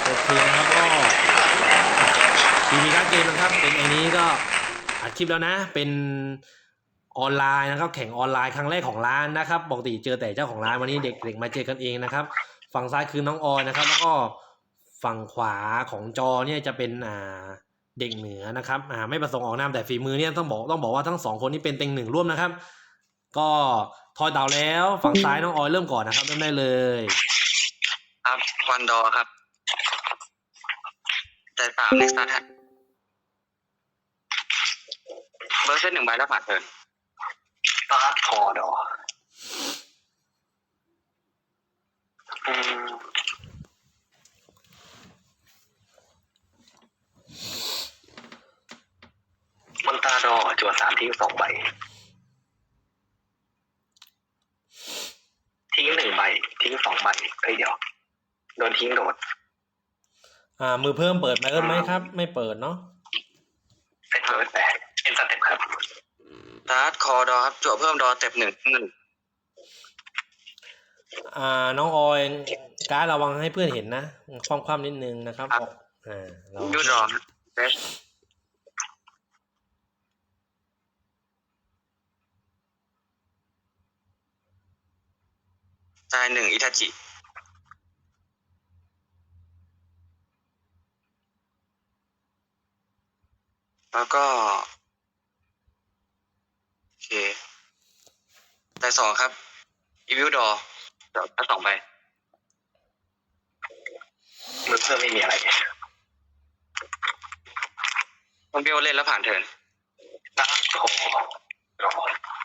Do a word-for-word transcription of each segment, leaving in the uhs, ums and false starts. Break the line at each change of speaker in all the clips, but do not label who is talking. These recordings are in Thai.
โอเคนะครับก็ทีมีการ์ดเกมนะครับเป็นไอ้นี้ก็อัดคลิปแล้วนะเป็นออนไลน์นะครับแข่งออนไลน์ครั้งแรกของร้านนะครับปกติเจอแต่เจ้าของร้านวันนี้เด็กๆมาเจอกันเองนะครับฝั่งซ้ายคือน้องออยนะครับแล้วก็ฝั่งขวาของจอเนี่ยจะเป็นอ่าเด็กเหนือนะครับอ่าไม่ประสงค์ออกนามแต่ฝีมือเนี่ยต้องบอกต้องบอกว่าทั้งสองคนนี้เป็นเต็งหนึ่งร่วมนะครับก็ทอยเต่าแล้วฝั่งซ้ายน้องออยเริ่มก่อนนะครับเริ่มได้เลย
ครับวันดอครับใจสามในสตาร์ทเบอร์เซตหนึ่งใบแล้วผ่านเทิร์นสตาร์ทคอดออืมมันตาดอจวดสามทิ้งสองใบทิ้งหนึ่งใบทิ้งสองใบเฮ้ยเดี๋ยวโดนทิ้งโดด
อ่ามือเพิ่มเปิดไหมเอิ้มไหมครับไม่เปิดเนาะ
เซตเปิดแต่เอ็นสเต็ปครับสตาร์ทคอดอครับจั่วเพิ่มดอเต็ปหนึ่งหนึ่ง
อ่าน้องออยการ์ดระวังให้เพื่อนเห็นนะคว่ำๆนิดนึงนะครับออกอ่าเรา
ยูดอเฟสตายหนึ่งอิทาจิแล้วก็โอเคตายสองครับอีวิวดอเดี๋ยวตายสองไปมือเพิ่มไม่มีอะไรต้องเบี้ยวเล่นแล้วผ่านเทิร์นตัดคอรอ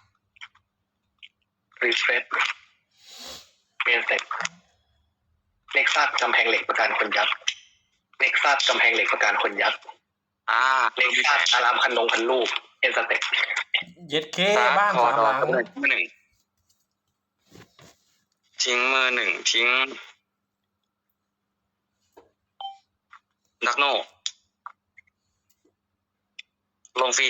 รีเฟรชเมนเซ็ตเน็กซัสกำแพงเหล็กประกันคนยักษ์เน็กซัสกำแพงเหล็กประกันคนยักษ์อ่าเน็กซัสอารามพันนงพันลูกเอ็นสเต็ป
เย็ดเคบ้านสามหลัง
มือหนึ่งทิ้งมือหนึ่งทิ้งดักโนลงฟรี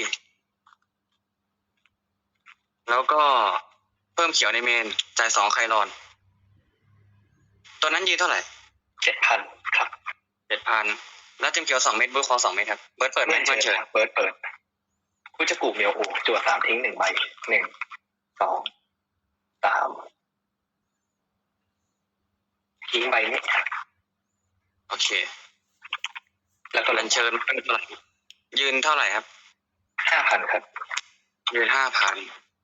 แล้วก็เพิ่มเขียวในเมนจ่ายสองไคลอนตัวนั้นยืนเท่าไหร่เจ็ดพันครับเจ็ดพันแล้วเต็มเขียวสองเม็ดเบิร์ดคอสองเม็ดครับเบิร์ดเปิดไหมเบิร์ดเชิญเบิร์ดเปิดผู้จะกูเมียวโอจั่วสามทิ้งหนึ่งใบหนึ่งสองสามทิ้งใบนี้โอเคแล้วก็ลันเชิญเป็นเท่าไหร่ยืนเท่าไหร่ครับห้าพันครับยืนห้าพัน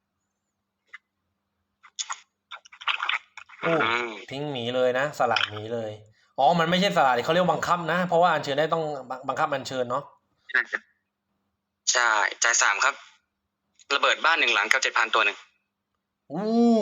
ทิ้งหมีเลยนะสลัดหมีเลยอ๋อมันไม่ใช่สลัดเขาเรียกบังคับนะเพราะว่าอัญเชิญได้ต้องบังคับอัญเชิญเนาะ
ใช่จ่ายสามครับระเบิดบ้านหนึ่งหลังกับเจ็ดพันตัวหนึ่ง
อู้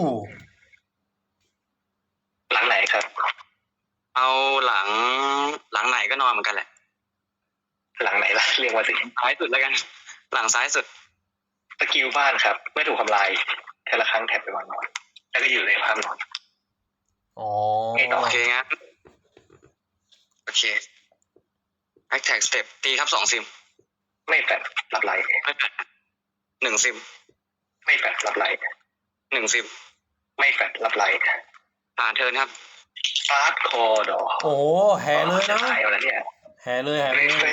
หลังไหนครับเอาหลังหลังไหนก็นอนเหมือนกันแหละหลังไหนล่ะเรียกว่าสิซ้ายสุดแล้วกันหลังซ้ายสุดสกิลบ้านครับเมื่อถูกทำลายแต่ละครั้งแท็บไปวางนอนแล้วก็อยู่ในภาพนอน
อ๋อ
โอเคงั้นโอเคแอคแท็กสเต็ปตีครับสองซิมไม่แฟดรับไลท์ไม่แฟดหนึ่งซิมไม่แฟดรับไลท์หนึ่งซิมไม่แฟดรับไลท์ผ่านเทิร์นครับฟาสคอร์ดอ
โอ้แห่เลยนะ
หายแล้วเนี่ย
แห่เลยแห่เลย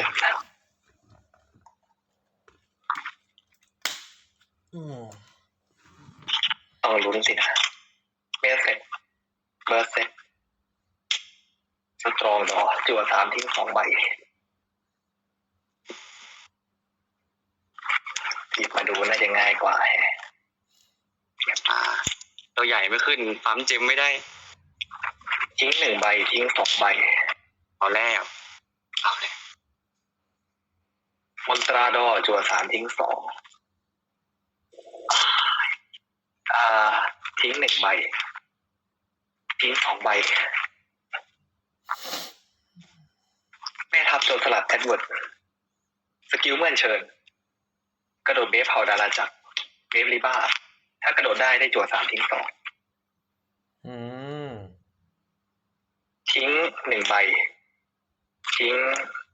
อืม
ต้องลุ้นสินะเบสเซ็ตเบอร์เซ็ตสตรองดอจั่วสามทิ้งสองใบหยิบมาดูน่าจะง่ายกว่าอ่าตัวใหญ่ไม่ขึ้นปั๊มเจมไม่ได้ทิ้งหนึ่งใบทิ้งสองใบเอาแล้วเอาเลยมอนตราดอจั่วสามทิ้งสองอ่าทิ้งหนึ่งใบทิ้งสองใบแม่ทัพโจรสลัดแอดเวิร์ดสกิลเมื่อเชิญกระโดดเบฟเผาดาราจักรเบฟลิบ้าถ้ากระโดดได้ได้จั่วสามทิ้งสอง
อืม
ทิ้งหนึ่งใบทิ้ง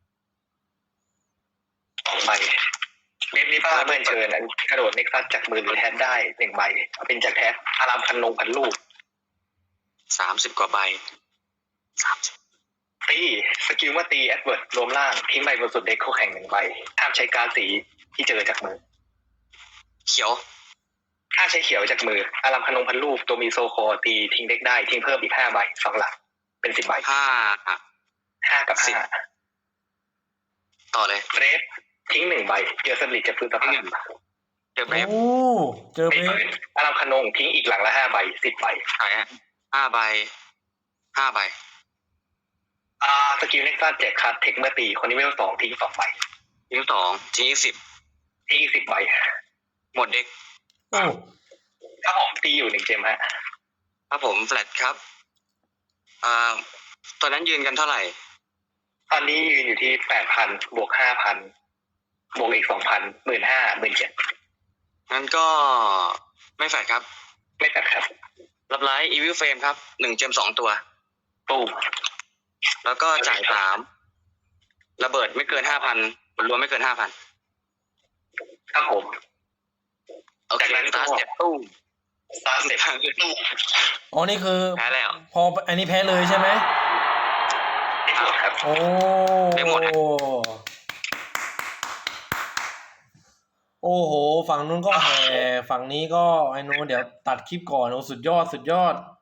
สองใบเบฟลิบ้าเมื่อเชิญกระโดดเน็กซัสจากมือหรือแทนได้หนึ่งใบเป็นจากแทนอารามพันนงพันลูกสามสิบกว่าใบสามสิบ
ตีสกิลเมื่อตีแอดเวิร์ดรวมล่างทิ้งใบบนสุดเด็กคู่แข่งหนึ่งใบห้ามใช้การดสีที่เจอจากมือ
เขียว
ห้ามใช้เขียวจากมืออารัมพนงพันรูปตัวมีโซโคตีทิ้งเด็กได้ทิ้งเพิ่มอีกห้าใบสองหลักเป็นสิบใบ
ห้า
ห้ากับ
สิบ
ห้า
ต่อเลย
เรฟทิ้งหนึ่งใบเจอสลิดจากพื้นสะพาน
เจอเบรฟ
โอ้เจอเบรฟ
อารัมพนงทิ้งอีกหลังละห้าใบสิบใบ
ใช่ฮะห้าใบห้าใบ
อ่าสกิลเน็กซัสแจกคัดเทคเมื่อตีคนนี้เวลสองทิ้งสองใบ
ทิ้งสองทิ้งอีกสิบ
ทิ้งอีกสิบใบ
หมดเด็ก
โอ้
ถ้าผมตีอยู่หนึ่งเจมฮะ
ครับผมแฟลตครับอ่าตอนนั้นยืนกันเท่าไหร่
ตอนนี้ยืนอยู่ที่แปดพันบวกห้าพันบวกอีกสองพันหมื่นห้าหมื่นเจ็ด
งั้นก็ไม่แฟลตครับ
ไม่ตัดครับ
รับไลท์อีวิลเฟรมครับหนึ่งเจมสองตัว
ตู้
แล้วก็จ่ายสามระเบิดไม่เกินห้าพันรวมไม่เกินห้าพัน
ครับผม
โอเค
จากนั้นก็
สตาร์ทเสร็จตู้
สตาร์ทเสร็จตู้
อ๋อนี่คือ
แพ้แล้ว
พออันนี้แพ้เลยใช่ไหม
ไม่หมดครับ
โอ้
ไม่หมดอะ
โอ้โห ฝั่งนู้นก็แห่ฝั่งนี้ก็ไอ้นู้นเดี๋ยวตัดคลิปก่อนโอ้สุดยอดสุดยอด